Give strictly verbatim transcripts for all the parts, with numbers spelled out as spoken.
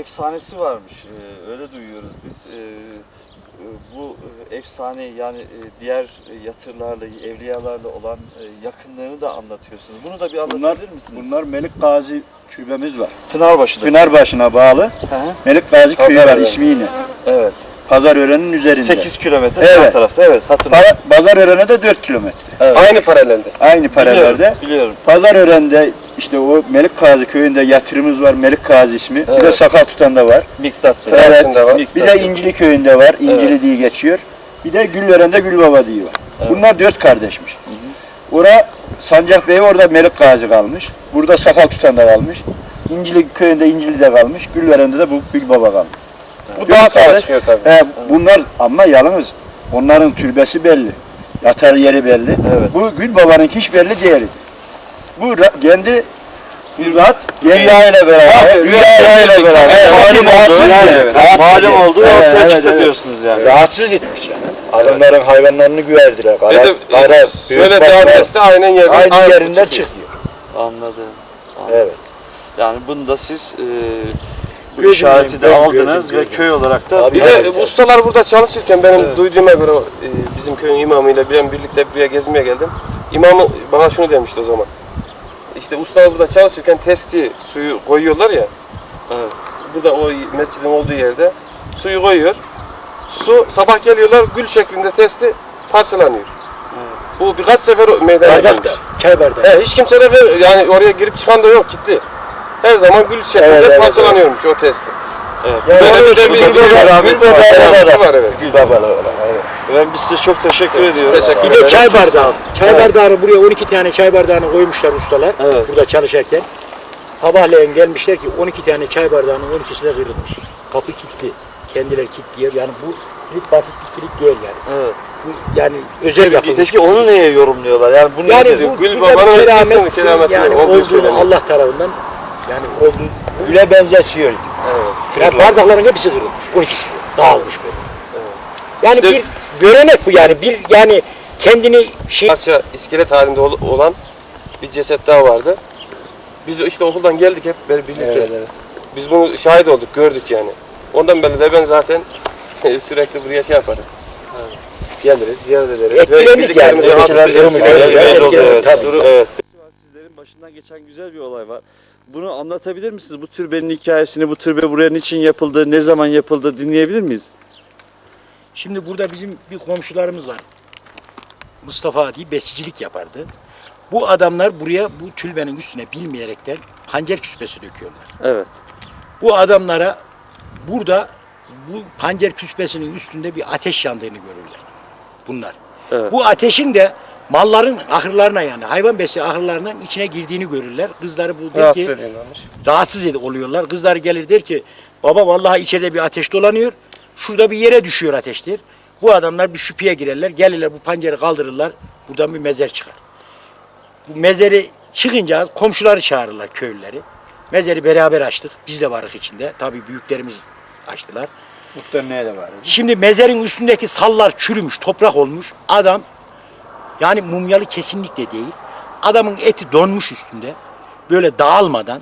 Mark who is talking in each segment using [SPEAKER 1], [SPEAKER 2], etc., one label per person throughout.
[SPEAKER 1] efsanesi varmış. Ee, öyle duyuyoruz biz. Ee, bu efsane yani diğer yatırlarla, evliyalarla olan yakınlığını da anlatıyorsunuz. Bunu da bir anlatabilir
[SPEAKER 2] bunlar,
[SPEAKER 1] misiniz?
[SPEAKER 2] Bunlar Melik Gazi türbemiz var.
[SPEAKER 1] Pınarbaşı'da.
[SPEAKER 2] Pınarbaşı'na bağlı. Hı hı. Melik Gazi köyü var ismiyle. Evet. Pazarören'in üzerinde.
[SPEAKER 1] sekiz kilometre
[SPEAKER 2] evet.
[SPEAKER 1] sağ tarafta. Evet, hatırlıyorum.
[SPEAKER 2] Pazarören'e de dört kilometre.
[SPEAKER 1] Evet.
[SPEAKER 3] Aynı paralelde.
[SPEAKER 2] Aynı paralelde.
[SPEAKER 1] Biliyorum, biliyorum.
[SPEAKER 2] Pazarören'de işte o Melik Gazi köyünde yatırımız var. Melik Gazi ismi. Evet. Bir de Sakal Tutan'da var.
[SPEAKER 1] Miktat'ta.
[SPEAKER 2] Evet.
[SPEAKER 1] Var.
[SPEAKER 2] Bir de İncili köyünde var. İncili evet. diye geçiyor. Bir de Gülveren'de Gülbaba diye var. Evet. Bunlar dört kardeşmiş. Hı hı. Ora Sancak Bey orada Melik Gazi kalmış. Burada Sakal Tutan'da kalmış. İncili köyünde İncili'de kalmış. Gülveren'de de bu Gülbaba kalmış.
[SPEAKER 3] Bu daha sonra çıkıyor tabii.
[SPEAKER 2] He, bunlar ama yalnız onların türbesi belli. Yatar yeri belli. Evet. Bu Gülbaba'nın hiç belli değil. Bu kendi bir rahat Rüya ile beraber. Rüya ile beraber.
[SPEAKER 1] Malum oldu. Malum oldu. Ortaya çıktı diyorsunuz yani.
[SPEAKER 2] Rahatsız etmiş yani. Adamların hayvanlarını güverdiler.
[SPEAKER 3] Kara, şöyle devam etse aynen yerden,
[SPEAKER 2] aynı aynı yerinden çıkıyor.
[SPEAKER 1] Anladım. Anladım.
[SPEAKER 2] Evet.
[SPEAKER 1] Yani bunu da siz e, bu gördüm, işareti de aldınız gördüm, ve gördüm. Köy olarak da...
[SPEAKER 3] Bir de ustalar burada çalışırken benim evet. duyduğuma göre e, bizim köyün imamıyla ben birlikte buraya gezmeye geldim. İmamı bana şunu demişti o zaman. İşte ustalar burada çalışırken testi suyu koyuyorlar ya. Evet. Burada o mescidin olduğu yerde suyu koyuyor. Su sabah geliyorlar gül şeklinde testi parçalanıyor. Evet. Bu birkaç sefer meydana gelmiş.
[SPEAKER 2] Çay bardağı.
[SPEAKER 3] He, hiç kimse de yani oraya girip çıkan da yok gitti. Her zaman gül şeklinde evet, parçalanıyormuş evet. o testi.
[SPEAKER 1] Evet.
[SPEAKER 3] Yani böyle bir de bir
[SPEAKER 1] Gül var evet. Gül babalar var. Ben biz size çok teşekkür evet, ediyorum.
[SPEAKER 4] Teşekkür bir de çay bardağı. Çay evet. bardağını buraya on iki tane çay bardağını koymuşlar ustalar. Evet. Burada çalışırken. Sabahleyin gelmişler ki on iki tane çay bardağının on ikisi de kırılmış. Kapı kilitli. Kendileri kilitliyor. Yani bu kilit basit bir kilit değil yani. Evet. Bu yani özel yapılmış.
[SPEAKER 1] Peki onu neye yorumluyorlar? Yani bunu
[SPEAKER 4] yani
[SPEAKER 1] nedir?
[SPEAKER 4] Bu Gül Baba'nın keramet yani olduğunu Allah tarafından yani olduğu
[SPEAKER 2] Güle benzetiyor.
[SPEAKER 4] Evet. Yani bardakların hepsi kırılmış. on ikisi dağılmış böyle. Evet. Yani işte, bir görenek bu yani. Bir yani kendini şey
[SPEAKER 3] parça iskelet halinde olan bir ceset daha vardı. Biz işte okuldan geldik hep birlikte. Evet, evet. Biz bunu şahit olduk, gördük yani. Ondan beri de ben zaten sürekli buraya şey yaparım. Evet. Geliriz, ziyaret ederiz.
[SPEAKER 4] Etkiledik yani.
[SPEAKER 1] Evet. Sizlerin başından geçen güzel bir olay var. Bunu anlatabilir misiniz? Bu türbenin hikayesini, bu türbe buraya niçin yapıldı, ne zaman yapıldı dinleyebilir miyiz?
[SPEAKER 4] Şimdi burada bizim bir komşularımız var. Mustafa diye besicilik yapardı. Bu adamlar buraya bu türbenin üstüne bilmeyerekten pancar küspesi döküyorlar.
[SPEAKER 1] Evet.
[SPEAKER 4] Bu adamlara burada bu pancar küspesinin üstünde bir ateş yandığını görürler. Bunlar. Evet. Bu ateşin de malların ahırlarına yani hayvan besi ahırlarının içine girdiğini görürler. Kızları bu der ki rahatsız oluyorlar. Kızları gelir der ki baba vallahi içeride bir ateş dolanıyor. Şurada bir yere düşüyor ateştir. Bu adamlar bir şüpheye girerler. Gelirler bu pancarı kaldırırlar. Buradan bir mezar çıkar. Bu mezarı çıkınca komşuları çağırırlar köylüleri. Mezarı beraber açtık. Biz de varız içinde. Tabii büyüklerimiz açtılar.
[SPEAKER 2] Muhtemelen de var.
[SPEAKER 4] Şimdi mezarın üstündeki sallar çürümüş, toprak olmuş. Adam yani mumyalı kesinlikle değil. Adamın eti donmuş üstünde. Böyle dağılmadan.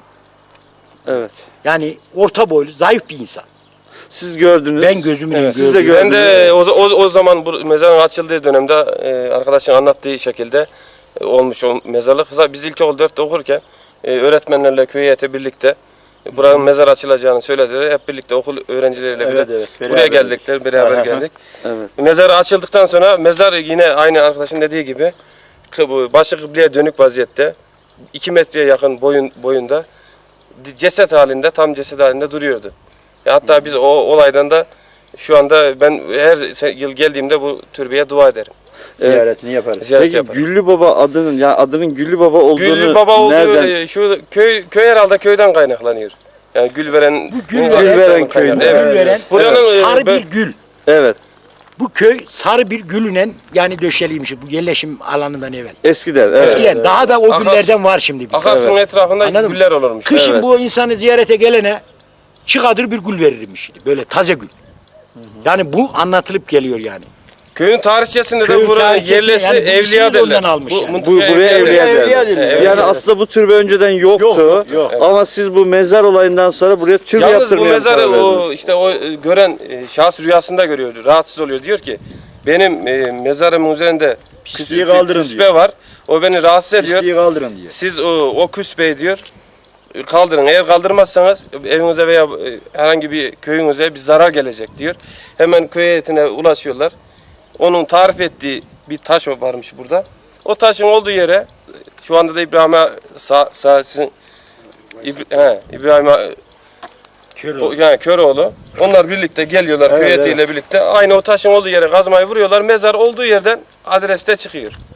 [SPEAKER 1] Evet.
[SPEAKER 4] Yani orta boylu, zayıf bir insan.
[SPEAKER 1] Siz gördünüz.
[SPEAKER 4] Ben gözümle
[SPEAKER 1] evet.
[SPEAKER 4] gördüm.
[SPEAKER 1] Siz de gördünüz.
[SPEAKER 3] Ben de o, o, o zaman bu mezarın açıldığı dönemde e, arkadaşın anlattığı şekilde e, olmuş o mezarlık. Biz ilkokul dörtte okurken e, öğretmenlerle köy heyeti birlikte e, buranın hmm. mezar açılacağını söylediler. Hep birlikte okul öğrencileriyle evet, bile evet, buraya geldikler, beraber Aha. geldik. Evet. Mezar açıldıktan sonra mezar yine aynı arkadaşın dediği gibi başı kıbleye dönük vaziyette iki metreye yakın boyun boyunda ceset halinde, tam ceset halinde duruyordu. Hatta hmm. biz o olaydan da şu anda ben her yıl geldiğimde bu türbeye dua ederim.
[SPEAKER 2] Ziyaretini yaparız.
[SPEAKER 3] Ziyaret
[SPEAKER 1] Peki
[SPEAKER 3] yaparım.
[SPEAKER 1] Güllü Baba adının yani adının Güllü Baba olduğunu
[SPEAKER 3] Güllü Baba olduğu
[SPEAKER 1] nereden?
[SPEAKER 3] şu köy köy herhalde köyden kaynaklanıyor. Yani Gülveren
[SPEAKER 4] bu Gülveren,
[SPEAKER 1] Gülveren köyü.
[SPEAKER 4] Evet. Gülveren
[SPEAKER 3] Buranın
[SPEAKER 4] evet. sarı bir gül.
[SPEAKER 1] Evet.
[SPEAKER 4] Bu köy sarı bir gülünen yani döşeliymiş bu yerleşim alanından evvel.
[SPEAKER 1] Eskiden. Evet.
[SPEAKER 4] Eskiden evet. daha da o
[SPEAKER 3] Akas,
[SPEAKER 4] güllerden var şimdi.
[SPEAKER 3] Akarsu'nun evet. etrafında Anladın güller olurmuş.
[SPEAKER 4] Kışın
[SPEAKER 3] evet.
[SPEAKER 4] bu insanı ziyarete gelene çıkadır bir gül verirmiş. Böyle taze gül. Hı hı. Yani bu anlatılıp geliyor yani.
[SPEAKER 3] Köyün tarihçesinde de
[SPEAKER 4] Köyün
[SPEAKER 3] buranın
[SPEAKER 4] tarihçesinde
[SPEAKER 3] yerlisi
[SPEAKER 4] yani bu
[SPEAKER 3] evliya
[SPEAKER 4] ismi de
[SPEAKER 3] derler.
[SPEAKER 4] ondan almış yani.
[SPEAKER 3] mıntıka
[SPEAKER 1] Bu, buraya evliya
[SPEAKER 3] derler.
[SPEAKER 1] derler.
[SPEAKER 4] derler.
[SPEAKER 3] Evet.
[SPEAKER 1] Yani aslında bu türbe önceden yoktu.
[SPEAKER 4] Yok, yok, yok.
[SPEAKER 1] Ama siz bu mezar olayından sonra buraya türbe
[SPEAKER 3] Yalnız bu
[SPEAKER 1] yaptırmaya
[SPEAKER 3] mezarı
[SPEAKER 1] karar
[SPEAKER 3] o
[SPEAKER 1] verdiniz.
[SPEAKER 3] işte o e, gören e, şahıs rüyasında görüyor, rahatsız oluyor. Diyor ki benim e, mezarımın üzerinde
[SPEAKER 2] Pisliği
[SPEAKER 3] küs-
[SPEAKER 2] kaldırın
[SPEAKER 3] küspe
[SPEAKER 2] diyor.
[SPEAKER 3] var. O beni rahatsız ediyor.
[SPEAKER 2] Pisliği kaldırın diyor.
[SPEAKER 3] Siz o, o küspeyi diyor e, kaldırın. Eğer kaldırmazsanız evinize veya e, herhangi bir köyünüze bir zarar gelecek diyor. Hemen köy heyetine ulaşıyorlar. Onun tarif ettiği bir taş varmış burada. O taşın olduğu yere şu anda da İbrahim'e sağ, sağ sizin İbra- he, İbrahim'e o, yani Köroğlu. Onlar birlikte geliyorlar
[SPEAKER 2] Evet,
[SPEAKER 3] köy heyetiyle birlikte. Aynı o taşın olduğu yere kazmayı vuruyorlar. Mezar olduğu yerden adreste çıkıyor.